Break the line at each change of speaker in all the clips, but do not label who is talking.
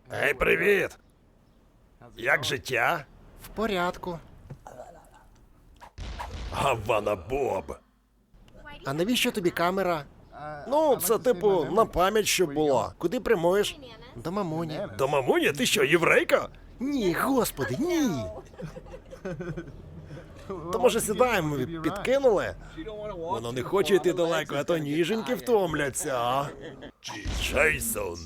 Ей, привіт! Як життя?
В порядку.
Гавана Боб.
А навіщо тобі камера?
Ну, це типу на пам'ять, щоб було. Куди прямуєш?
До мамуні.
До мамуні? Ти що, єврейка?
Ні, господи, ні.
То може сідаємо, підкинули? Воно не хоче йти далеко, а то ніженьки втомляться, а? Джейсон.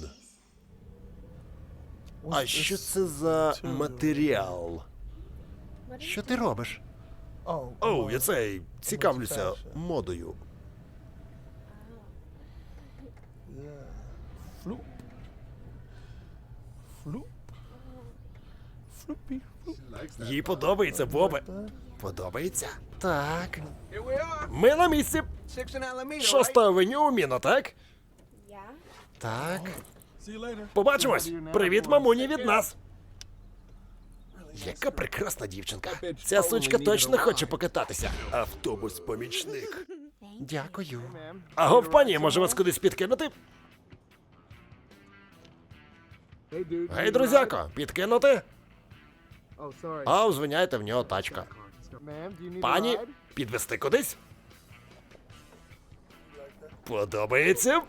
А що це за матеріал?
Що ти робиш?
Оу, я цей цікавлюся модою. Їй подобається, Бобе. Подобається?
Так.
Ми на місці. 6-та авеню у Міно, так?
Так.
Побачимось. Привіт, мамуні, від нас. Яка прекрасна дівчинка. Ця сучка точно хоче покататися. Автобус-помічник.
Дякую.
Агов, пані, може вас кудись підкинути? Гей, друзяко, підкинути? А, звиняйте, в нього тачка. Пані, підвести кудись? Подобається?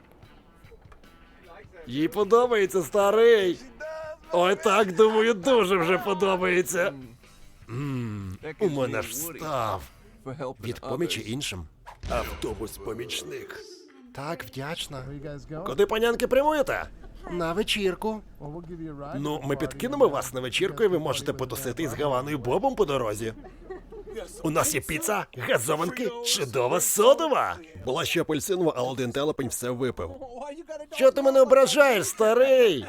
Їй подобається, старий. Ой, так, думаю, дуже вже подобається. У мене ж встав. Від помічі іншим. Автобус-помічник.
Так, вдячна.
Куди, панянки, прямуєте?
На вечірку.
Ну, ми підкинемо вас на вечірку, і ви можете потусити із Гаваною Бобом по дорозі. У нас є піца, газованки, чудова содова. Була ще апельсинова, а один телепень все випив. Чого ти мене ображаєш, старий?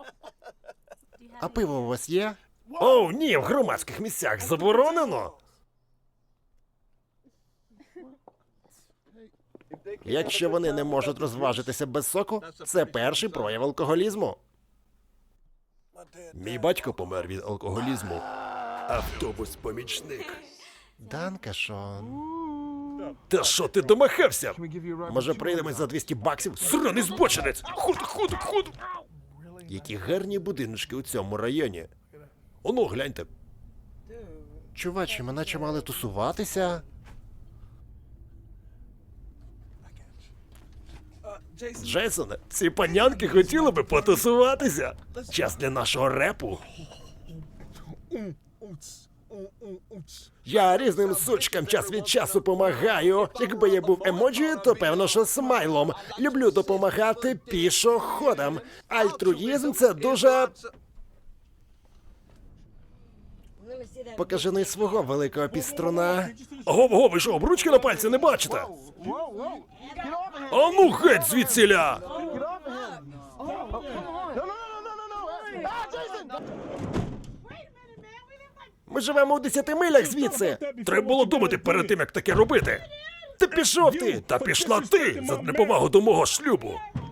А пиво у вас є?
Оу, ні, в громадських місцях заборонено. Якщо вони не можуть розважитися без соку, це перший прояв алкоголізму. Мій батько помер від алкоголізму. Автобус-помічник.
Данка, Шон.
Та що ти домахався? Може, прийдемо за 200 баксів? Сраний збочинець! Ходу! Які гарні будиночки у цьому районі. Оно, гляньте.
Чувачі, ми наче мали тусуватися.
Джейсоне, ці панянки хотіли би потусуватися. Час для нашого репу. Я різним сучкам час від часу помагаю. Якби я був емоджі, то певно, що смайлом. Люблю допомагати пішоходам. Альтруїзм – це дуже...
Покажи не свого великого піструна.
Ого, ви що, обручки на пальці не бачите? А ну геть звідсіля! Ми живемо у 10 милях звідси. Треба було думати перед тим, як таке робити. Ти пішов ти, та пішла ти за неповагу до мого шлюбу.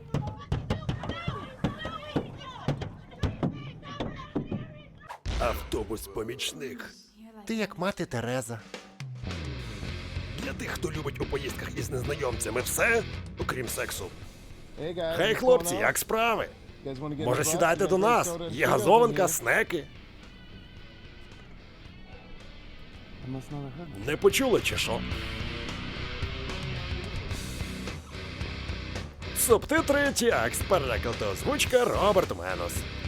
Автобус-помічник.
Ти як мати Тереза.
Для тих, хто любить у поїздках із незнайомцями все, окрім сексу. Гей, хлопці, як справи? Може, сідайте до нас? Є газованка, снеки. Не почули, чи що? Субтитри текст, переклад та озвучка Роберт Менос.